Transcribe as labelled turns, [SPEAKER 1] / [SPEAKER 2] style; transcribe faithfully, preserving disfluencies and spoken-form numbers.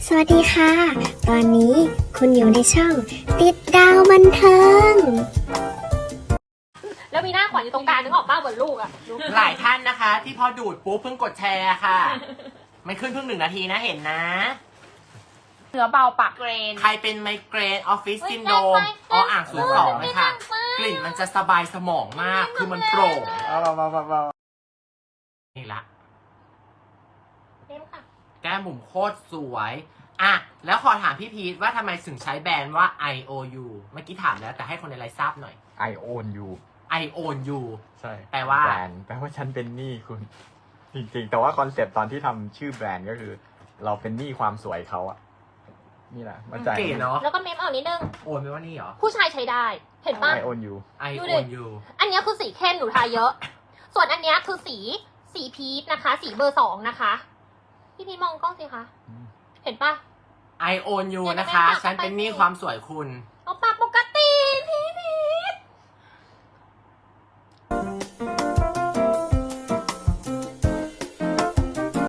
[SPEAKER 1] สวัสดีค่ะ ตอนนี้คุณอยู่ในช่องติดดาวบันเทิง
[SPEAKER 2] แล้วมีหน้าขวัญอยู่ตรงกลางนึกออกป้าเหมือนลูกอะ
[SPEAKER 3] หลายท่านนะคะ ที่พอดูดปุ๊บเพิ่งกดแชร์ค่ะ ไม่ขึ้นเพิ่งหนึ่งนาทีนะเห็นนะ
[SPEAKER 2] เนื้อเบาปากเกรน
[SPEAKER 3] ใครเป็นไมเกรนออฟฟิศ
[SPEAKER 2] เฮ้ย
[SPEAKER 3] ซินโดรม
[SPEAKER 2] ได้ไป
[SPEAKER 3] ออ่างศูนย์สอง
[SPEAKER 2] ได้
[SPEAKER 3] เลย
[SPEAKER 2] ไป
[SPEAKER 3] ค่ะ
[SPEAKER 2] ได้ไป
[SPEAKER 3] กลิ่นมันจะสบายสมองมาก คือมันโปร่ง
[SPEAKER 4] เอาเบาเบาเบา
[SPEAKER 3] นี่ละ
[SPEAKER 2] เต็มค่ะ
[SPEAKER 3] แก้มบุ๋มโคตรสวย อ่ะ แล้วขอถามพี่พีทว่าทำไมถึงใช้แบรนด์ว่า ไอ โอ ยู เมื่อกี้ถามแล้วแต่ให้คนในไลฟ์ทราบหน่อย
[SPEAKER 4] ไอโอนยู
[SPEAKER 3] I own you
[SPEAKER 4] ใช่
[SPEAKER 3] แปลว่า
[SPEAKER 4] แบรนด์แปลว่าฉันเป็นหนี้คุณ จริงๆ แต่ว่าคอนเซปต์ตอนที่ทำชื่อแบรนด์ก็คือ เราเป็นหนี้ความสวยเขาอะนี่แหละมาจ่าย
[SPEAKER 3] เก๋เนาะ
[SPEAKER 2] แล้วก็เมมเอานิดนึง
[SPEAKER 3] โอนไปว่านี่เหรอ
[SPEAKER 2] ผู้ชายใช้ได้ เห็นป่ะ
[SPEAKER 4] ไอโอนยู
[SPEAKER 3] I
[SPEAKER 2] ดูดิ
[SPEAKER 3] own you
[SPEAKER 2] อันเนี้ยคือสีเข้มหนูทาเยอะ ส่วนอันเนี้ยคือสีสีพีชนะคะ สีเบอร์สองนะคะ พี่พีชมองกล้องสิคะ เห็นป่ะ
[SPEAKER 3] I own you
[SPEAKER 2] เดี๋ยว
[SPEAKER 3] นะคะ
[SPEAKER 2] แม่ฝาก
[SPEAKER 3] ฉันเป็นหนี้
[SPEAKER 2] ไปสิ
[SPEAKER 3] ความสวยคุณ